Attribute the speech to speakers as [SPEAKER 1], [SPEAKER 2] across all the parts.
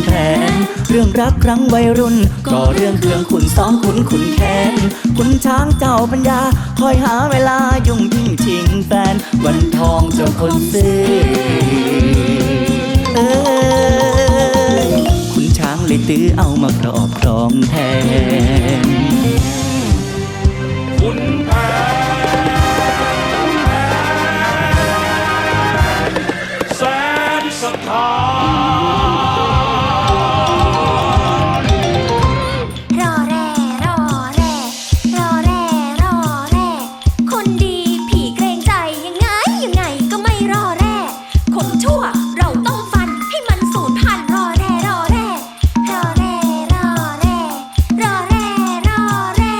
[SPEAKER 1] แผนเรื่องรักครั้งวัยรุ่นก็เรื่องเครื่องขุนซ้อมขุนแค้นคุณช้างเจ้าปัญญาคอยหาเวลายุ่งยิ่งชิงแฟนวันทองเจ้าคนซื้อคุณช้างเลยตื้อเอามาครอบครองแทน
[SPEAKER 2] คุณแผนแสนสถาน
[SPEAKER 3] รอแร่รอแร่รอแร่รอแร่คนดีผีเกรงใจยังไงก็ไม่รอแร่คนชั่วเราต้องฟันให้มันสูญพันธุ์รอแร่รอแร่รอแร่รอแร่รอแร่รอแร่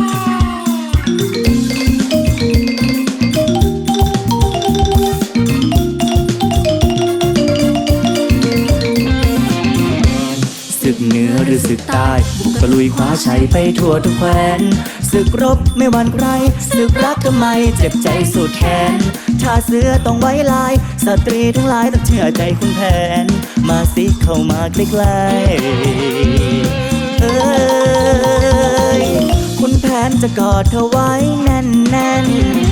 [SPEAKER 1] ศึกเหนือหรือศึกใต้บุกตะลุยคว้าชัยไปทั่วทุกแคว้นศึกรบไม่หวั่นใครศึกรักทำไมเจ็บใจสุดแขนชาเสือต้องไว้ลายสตรีทั้งหลายต้องเชื่อใจคุณแผนมาสิเข้ามาใกล้ๆคุณแผนจะกอดเธอไว้แน่น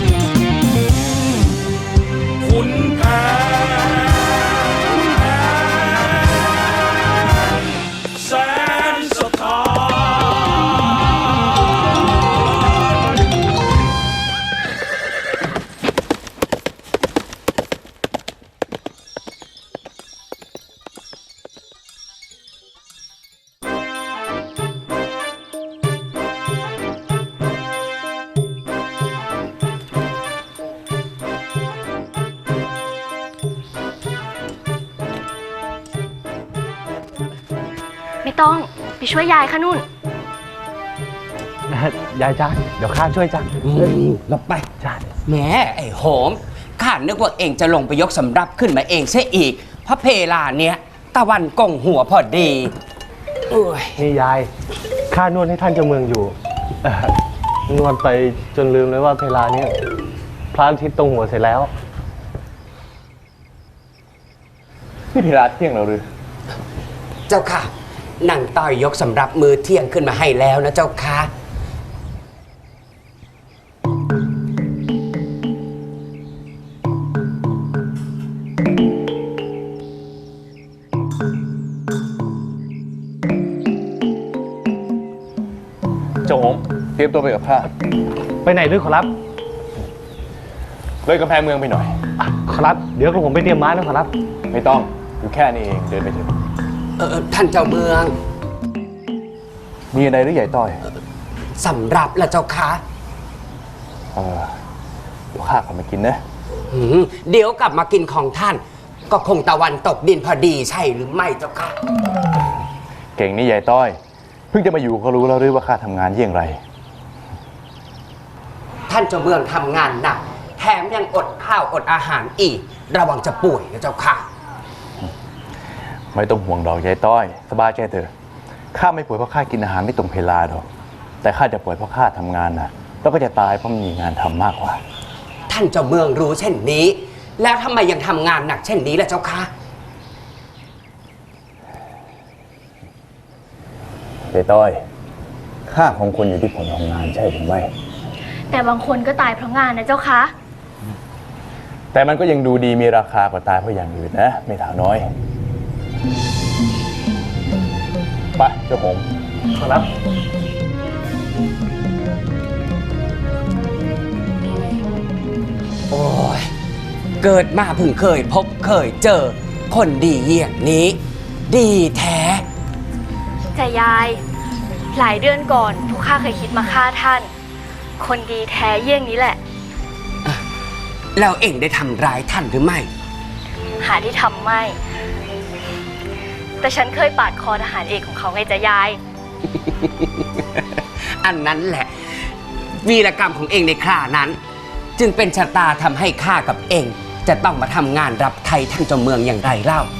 [SPEAKER 2] คุณแผนแสนสถาน
[SPEAKER 4] ไม่ต้องไปช่วยยายค่ะนุ่น
[SPEAKER 5] ยายจ้าเดี๋ยวข้าช่วยจ้า
[SPEAKER 6] หลบไป
[SPEAKER 5] จ้า
[SPEAKER 6] แหมไอ้โหมข้านึกว่าเองจะลงไปยกสำรับขึ้นมาเองเสียอีกเพราะเพลาเนี้ยตะวันกงหัวพอดีโอ้ย
[SPEAKER 5] นี่ยายข้านวดให้ท่านเจ้าเมืองอยู่นวดไปจนลืมเลยว่าเวลานี้พระอาทิตย์ตรงหัวเสร็จแล้วนี่เพลาเที่ยงแล้วหรือ
[SPEAKER 6] เจ้าค่ะนั่งต้อยยกสำรับมือเที่ยงขึ้นมาให้แล้วนะเจ้าค่ะ
[SPEAKER 7] เจ้าโหมเตรียมตัวไปกับข้า
[SPEAKER 5] ไปไหนด้วยขอรับ
[SPEAKER 7] เลยกำแพงเมืองไปหน่อย
[SPEAKER 5] ขอรับเดี๋ยวผมไปเตรียมม้านะขอรับ
[SPEAKER 7] ไม่ต้องอยู่แค่นี้เองเดินไปเถอะ
[SPEAKER 6] ท่านเจ้าเมือง
[SPEAKER 7] มีอะไรหรือใหญ่ต้อย
[SPEAKER 6] สำรับละเจ้าค่ะ
[SPEAKER 7] เดี๋ยวข้าขอมากินนะ
[SPEAKER 6] เดี๋ยวกลับมากินของท่านก็คงตะวันตกดินพอดีใช่หรือไม่เจ้าค่ะ
[SPEAKER 7] เก่งนี่ใหญ่ต้อยเพิ่งจะมาอยู่ก็รู้แล้วหรือว่าข้าทำงานอย่างไร
[SPEAKER 6] ท่านเจ้าเมืองทำงานหนักแถมยังอดข้าวอดอาหารอีกระวังจะป่วยนะเจ้าค่ะ
[SPEAKER 7] ไม่ต้องห่วงดอกใหญ่ต้อยสบายใจเถอะข้าไม่ป่วยเพราะข้ากินอาหารไม่ตรงเวลาดอกแต่ข้าจะป่วยเพราะข้าทำงานนะแล้วก็จะตายเพราะมีงานทำมากกว่า
[SPEAKER 6] ท่านเจ้าเมืองรู้เช่นนี้แล้วทำไมยังทำงานหนักเช่นนี้ล่ะเจ้าค่ะ
[SPEAKER 7] ใหญ่ต้อยค่าของคนอยู่ที่ผลของงานใช่หรือไม่
[SPEAKER 4] แต่บางคนก็ตายเพราะงานนะเจ้าคะ
[SPEAKER 7] แต่มันก็ยังดูดีมีราคากว่าตายเพราะอย่างอื่นนะไม่ถามน้อยไปเจ้าผม
[SPEAKER 5] ขอรับ
[SPEAKER 6] โอ้ยเกิดมาเพิ่งเคยพบเคยเจอคนดีเยี่ยงนี้ดีแท้
[SPEAKER 4] แต่ยายหลายเดือนก่อนทุกข้าเคยคิดมาฆ่าท่านคนดีแท้เยี่ยงนี้แหละ
[SPEAKER 6] แล้วเอ็งได้ทำร้ายท่านหรือไม่
[SPEAKER 4] หาที่ทำไม่แต่ฉันเคยปาดคอทหารเอกของเขาไงจ๊ะยาย
[SPEAKER 6] อันนั้นแหละวีรกรรมของเอ็งในครานั้นจึงเป็นชะตาทำให้ข้ากับเอ็งจะต้องมาทำงานรับไทยท่านเจ้าเมืองอย่างไรเล่า